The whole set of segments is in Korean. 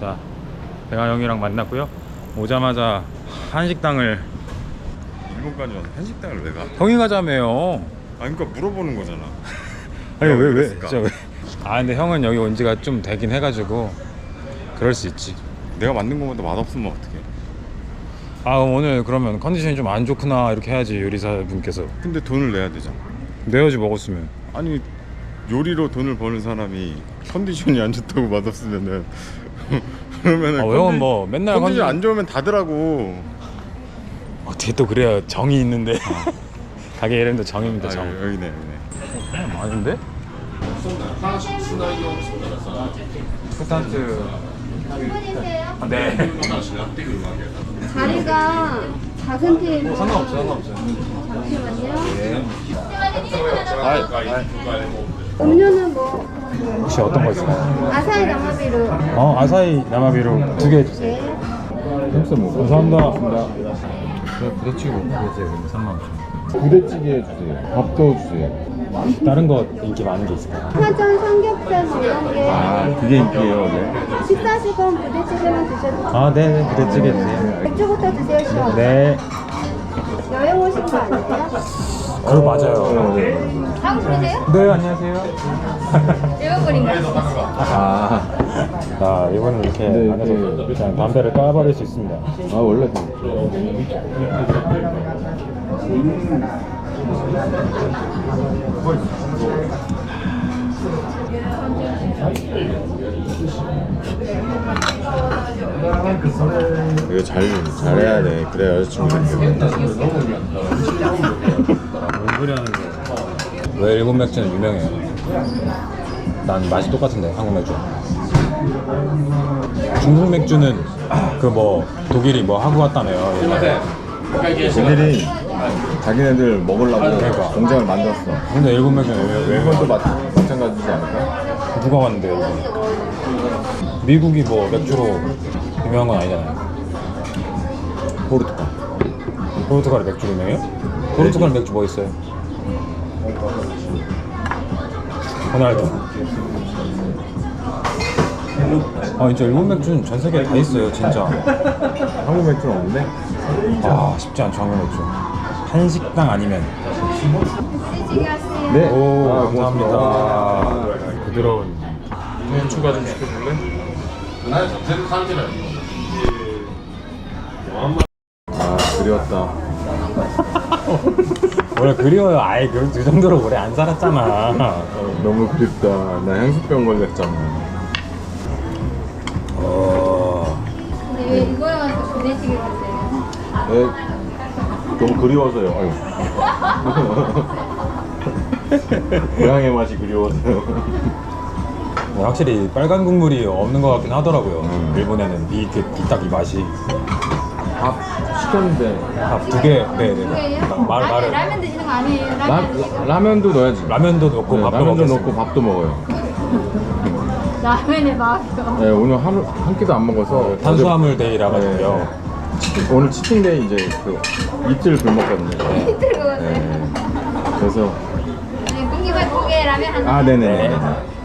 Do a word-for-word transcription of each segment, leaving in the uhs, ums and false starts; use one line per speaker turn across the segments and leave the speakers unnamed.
자, 대가 형이랑 만났고요. 오자마자 한식당을.
일본까지 와서 한식당을 왜 가?
형이 가자며요.
아 그러니까 물어보는 거잖아.
아니 왜 왜?
그랬을까?
진짜 왜? 아 근데 형은 여기 온 지가 좀 되긴 해가지고 그럴 수 있지.
내가 만든 거보다 맛없으면 어떡해.
아 오늘 그러면 컨디션이 좀 안 좋구나 이렇게 해야지 요리사 분께서.
근데 돈을 내야 되잖아.
내야지 먹었으면.
아니 요리로 돈을 버는 사람이 컨디션이 안 좋다고 맛없으면은 그러면은
아, 형은 뭐 맨날
컨디션
컨디-
안 좋으면 다더라고.
어떻게 또 그래야 정이 있는데. 가게 이름도 정입니다.
아,
정.
여기네 여기네.
어, 많은데? 스탄트. 아, 네.
자리가 작은 테이블.
상관없어, 상관없어.
잠시만요.
네.
음료는 뭐
혹시 어떤 거 있을까요?
아사히 나마비루.
어, 아사히 나마비루 두 개 해주세요.
네.
햄스 뭐. 감사합니다. 부대찌개 먹고 삼만 오천.
부대찌개 해주세요. 밥도 주세요.
다른 거 인기 많은 게 있을까요?
파전, 삼겹살 뭐 이런 게
아 그게 인기예요 원래.
식사하실 건 부대찌개만 드셔도
아, 네, 부대찌개 주세요.
맥주부터 드세요. 시원.
네.
여행 오신 거 아니에요?
그거 맞아요.
한국 분이세요?
네, 안녕하세요.
일본 분인가요?
아,
아, 이거는 이렇게
네,
안에서
네.
그냥 담배를 까버릴 수 있습니다.
아 원래 이거 잘 잘해야 돼. 그래 여자친구 생겨.
뭔 소리 하는 거야? 왜 일본 맥주는 유명해요? 난 맛이 똑같은데 한국 맥주. 중국 맥주는 그 뭐 독일이 뭐 하고 왔다며요. 옛날에.
독일이 자기네들 먹으려고
그러니까.
공장을 만들었어.
근데 일본 맥주는 왜, 왜
일본도 마, 마찬가지지 않을까?
누가 왔는데요? 일본? 미국이 뭐 맥주로 유명한 건 아니잖아요.
포르투갈.
포르투갈이 맥주 유명해요? 포르투갈 맥주 뭐 있어요? 호날두. 아 진짜 일본 맥주는 전 세계에 다 있어요 진짜.
한국 맥주는 없는데?
아 쉽지 않죠 한국 맥주. 한식당 아니면.
시지게 하세요.
네.
오
아,
감사합니다. 부드러운. 면 추가 좀 시켜줄래?
아 그리웠다.
원래 그리워요. 아예 그, 그 정도로 오래 안 살았잖아.
너무 그립다. 나 향수병 걸렸잖아.
어...
근데 왜 이거에 가서 부대찌개 드세요?
네, 너무 그리워서요. 아유. 고향의 맛이 그리워서요.
확실히 빨간 국물이 없는 것 같긴 하더라고요.
음.
일본에는 이 딱 이 맛이.
밥 시켰는데
밥 두 개. 네네.
그게요?
말
아니
말을.
라면 드시는 거 아니에요?
라,
라면 드시고.
라면도 넣어야지.
라면도 넣고
네,
밥도
라면도
먹겠습니다.
넣고 밥도 먹어요.
라면에 맛이요.
네, 오늘 하루 한 끼도 안 먹어서
탄수화물 데이라 가지고요.
어제- 오늘 치팅데이 이제 그 이틀 굶었거든요.
이틀 그거는.
네. 그래서
네, 공기밥 두 개, 라면 한 개.
아 네네네.
네.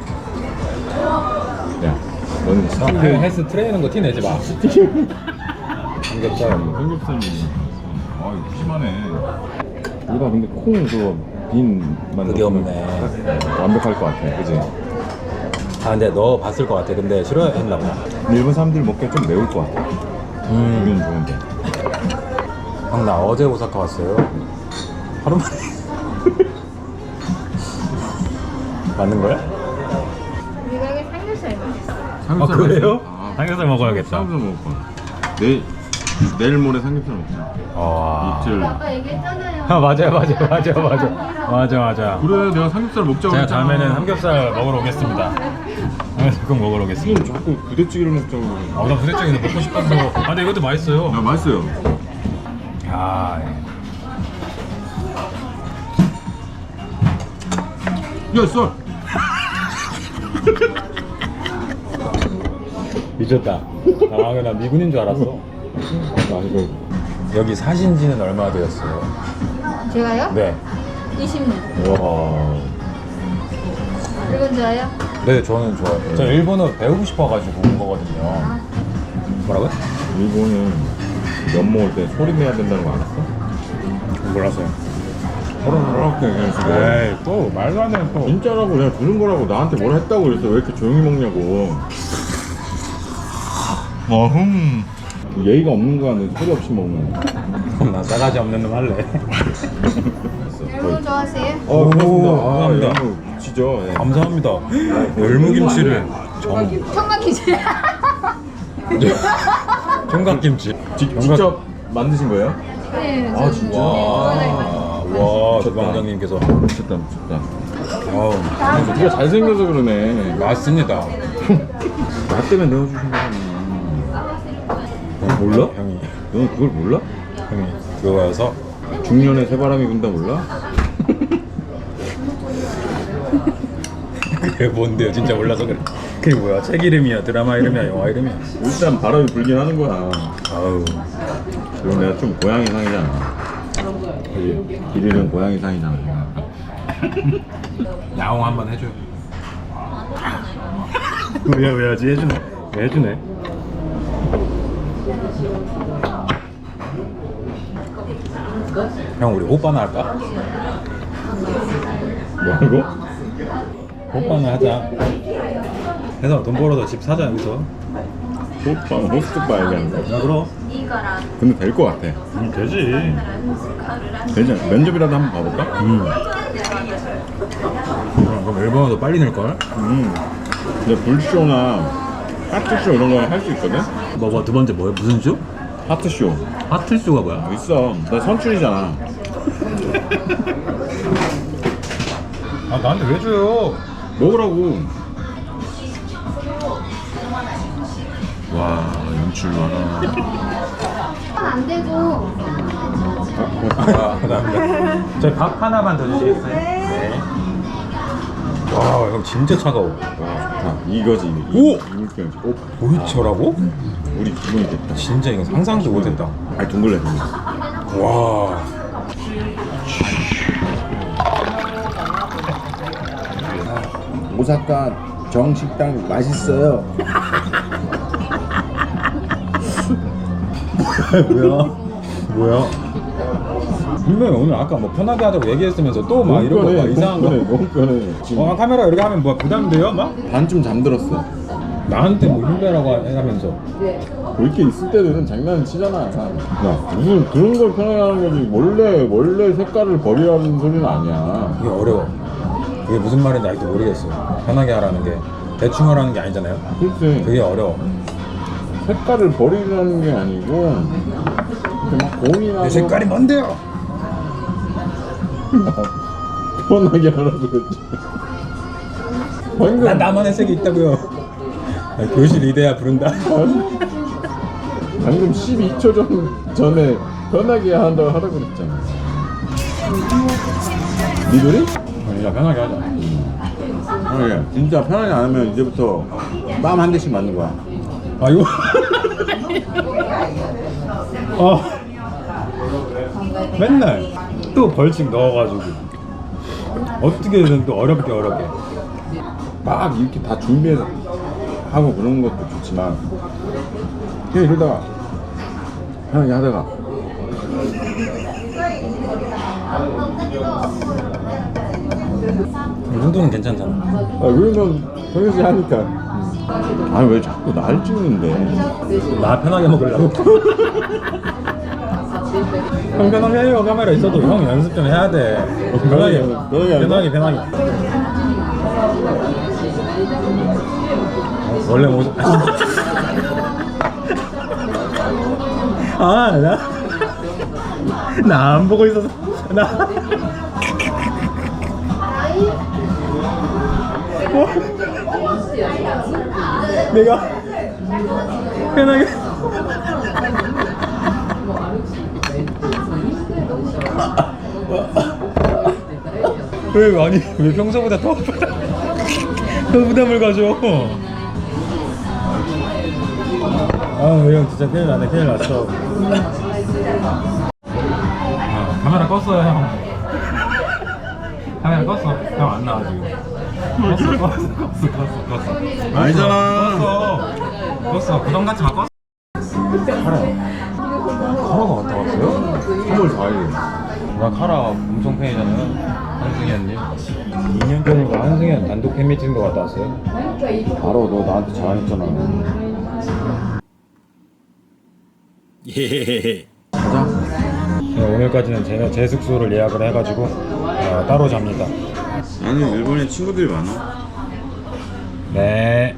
야, 넌
형,
치팅데이
헬스 트레이는 거 티 내지 마. 삼겹살.
삼겹살이 아 이거 심하네. 이거 근데 콩 그거 빈만
그게 없네.
완벽할 것 같아, 그지?
아 근데 너 봤을 것 같아. 근데 싫어했나 보다.
일본 사람들 먹기엔 좀 매울 것 같아.
음.
우리는 좋은데.
형 나 어제 오사카 왔어요. 하루 만에. 맞는 거야?
우리 가게 삼겹살 맛있어요.
아 그래요?
아,
삼겹살 먹어야겠다.
삼겹살 먹을 거야. 내일 내일 모레 삼겹살 먹자.
와.
이틀.
아까 얘기했잖아요.
아 맞아요 맞아요 맞아요 맞아요 맞아 맞아.
그래, 내가 삼겹살 먹자고
제가
했잖아.
다음에는 삼겹살 먹으러 오겠습니다. 삼겹살 꼭 먹으러 오겠습니다.
지금 자꾸 부대찌개를 먹자고.
아, 나 부대찌개는 먹고 싶어서. 아, 근데 이것도 맛있어요.
아, 맛있어요.
야, 예.
야, 썰.
미쳤다. 아, 나 미군인 줄 알았어.
아, 이거
여기 사신 지는 얼마나 되었어요?
제가요?
네.
이십 년.
와.
일본 좋아요?
네, 저는 좋아요. 저 일본어 배우고 싶어가지고 온 거거든요. 뭐라고요?
일본은 면 먹을 때 소리 내야 된다는 거 알았어?
몰랐어요.
이렇게
에이, 또 말도 안 되는 또.
진짜라고 내가 들은 거라고 나한테 뭐라 했다고 그랬어. 왜 이렇게 조용히 먹냐고. 어흠. 예의가 없는 거는 소리 없이 먹는 거.
그럼 난 싸가지 없는 놈 할래.
여러분 좋아하세요?
어, 고맙습니다.
오, 감사합니다.
아, 너무 지죠. 예.
감사합니다. 열무김치를 정
청각기지.
청각김치.
지, 직접 만드신 거예요?
네.
아, 진짜?
와, 와, 주방장님께서.
미쳤다, 미쳤다.
아우,
네가 잘생겨서 그러네.
맞습니다.
나 때문에 내어주신 거잖아. 몰라?
형이,
너 그걸 몰라?
형이 그거여서
중년에 새바람이 분다 몰라?
그게 뭔데요? 진짜 몰라서 그래. 그게 뭐야? 책 이름이야, 드라마 이름이야, 영화 이름이야.
일단 바람이 불긴 하는 거야.
아우,
그럼 내가 좀 고양이 상이잖아. 그지? 길이는 고양이 상이잖아.
야옹 한번 해줘요. 왜, 왜 하지? 해주네. 왜 해주네. 형, 우리 오빠나 할까?
뭐라고?
오빠나 하자. 해서 돈 벌어서 집 사자, 여기서.
호스바, 호스트바 얘기하는 거.
야, 그럼.
근데 될 거 같아.
음, 되지.
되지? 면접이라도 한번 봐볼까?
음. 그럼, 그럼 일본어도 빨리 늘걸?
음. 근데 불쇼나 하트쇼 이런 거 할 수 있거든?
뭐, 뭐, 두 번째 뭐야? 무슨 쇼?
하트쇼.
하트쇼가 뭐야?
있어. 나 선출이잖아.
아, 나한테 왜 줘요?
먹으라고. 와, 연출 많아.
안 되고.
아, 감사합니다. 저희 밥 하나만 더 주시겠어요? 네. 와, 형 진짜 차가워.
와, 좋다. 이거지.
오!
이물병. 오,
보이처라고?
우리 기분이 됐다.
진짜 이거 상상도 못했다.
아니, 둥글레, 둥글레.
와.
오사카 정식당 맛있어요.
뭐야? 뭐야? 분명히 오늘 아까 뭐 편하게 하자고 얘기했으면서 또 막 이런 거 막 이상한 거.
너무 편해. 지금
어, 카메라 이렇게 하면 뭐 부담돼요? 막?
반쯤 잠들었어.
나한테 뭐 힘내라고 하면서.
그렇게 있을 때는 장난 치잖아. 야, 무슨 그런 걸 편하게 하는 거지. 원래, 원래 색깔을 버리라는 소리는 아니야.
이게 어려워. 그게 무슨 말인지 아직도 모르겠어. 편하게 하라는 게 대충 하라는 게 아니잖아요.
글쎄,
그게 어려워.
색깔을 버리라는 게 아니고, 이렇게 막 고민하고.
내 색깔이 뭔데요?
편하게 하라고 그랬지. 방금.
난 나만의 색이 있다고요. 아, 교실 이대야 부른다.
방금 십이 초 전, 전에 편하게 한다고 하라고 그랬잖아. 니들이?
진짜 편하게 하자.
편하게. 진짜 편하게 안 하면 이제부터 뺨 한 대씩 맞는 거야.
아 이거. 아 맨날 또 벌칙 넣어가지고 어떻게든 또 어렵게 어렵게.
막 이렇게 다 준비해서 하고 그런 것도 좋지만 그냥 이러다가 편하게 하다가
이 정도는 괜찮잖아.
아, 그러면 평소에 하니까 아니 왜 자꾸 날 찍는데.
나 편하게 먹으려고. 형 편하게 해요. 카메라 있어도 형 연습 좀 해야 돼. 편하게
편하게 하는
편하게 편하게. 원래 모습. 아, 나. 나 안 보고 있어서. 나. 내가 편하게. 왜 아니 왜 평소보다 더 부담, 더 부담을 가져? 아형 진짜 큰일 나네. 큰일 났어. 아, 카메라 껐어요 형. 카메라 껐어. 형 안 나와 지금. 껐어 껐어 껐어 껐어 껐어
아니잖아.
껐어 부담 갖지 마 껐어 카라 카라가 갔다 왔어요?
삼월 사일.
나 카라 엄청 팬이잖아요 한승현님 이 년 전인가 한승현 단독 팬미팅도 갔다 왔어요?
알아, 너 나한테 자랑했잖아.
예.
가자.
네, 오늘까지는 제, 제 숙소를 예약을 해가지고 어, 따로 잡니다.
나는 일본에 친구들이 많아.
네.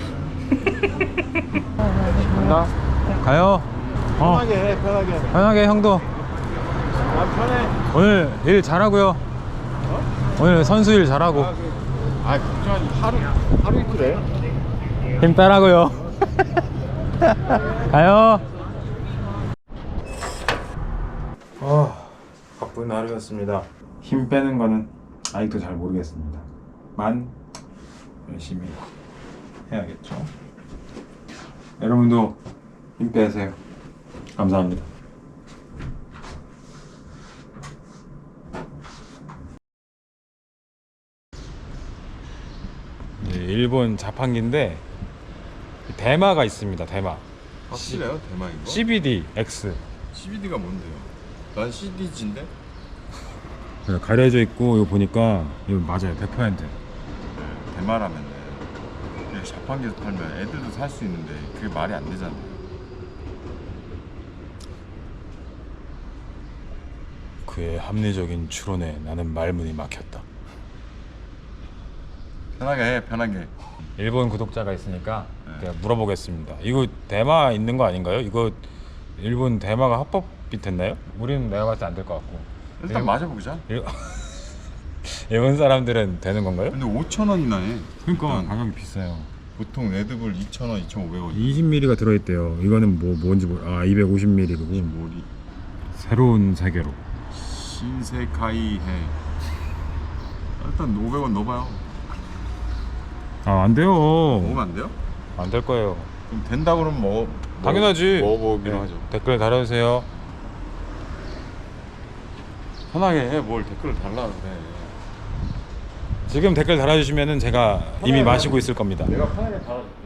간다. 가요. 어.
편하게 해, 편하게.
편하게 형도.
난 편해.
오늘 일 잘하고요. 오늘 선수 일 잘하고.
아, 걱정하지. 하루, 하루 이틀 해.
힘 빼라고요. 가요. 아, 바쁜 하루였습니다. 힘 빼는 거는 아직도 잘 모르겠습니다. 만 열심히 해야겠죠. 여러분도 힘 빼세요. 감사합니다. 일본 자판기인데 대마가 있습니다. 대마.
확실해요, 대만 이거?
씨비디 X.
씨비디가 뭔데요? 난 씨디지인데?
가려져 있고 이거 보니까 이거 맞아요. 백 퍼센트.
대마라면 그게 자판기에서 팔면 애들도 살 수 있는데 그게 말이 안 되잖아.
그의 합리적인 추론에 나는 말문이 막혔다.
편하게 해, 편하게.
일본 구독자가 있으니까
네.
제가 물어보겠습니다. 이거 대마 있는 거 아닌가요? 이거 일본 대마가 합법이 됐나요? 우리는 내가 봤을 때 안 될 것 같고.
일단
일-
마셔보자.
일... 일본 사람들은 되는 건가요?
근데 오천 원이나 해.
그러니까
일단
가격이 비싸요.
보통 레드불 이천 원, 이천오백 원.
이십 밀리리터가 들어있대요. 이거는 뭐 뭔지 모르. 아 이백오십 밀리리터고.
머리.
새로운 세계로.
신세카이 해. 일단 오백 원 넣어봐요.
아 안 돼요.
먹으면 안 돼요?
안 될 거예요.
그럼 된다 그러면 먹어.
당연하지.
먹어보기로
네.
하죠.
댓글 달아주세요.
편하게 해. 뭘 댓글을 달라 그래.
지금 댓글 달아주시면은 제가 이미 마시고 있을 겁니다.
내가 편하게 달아줄게.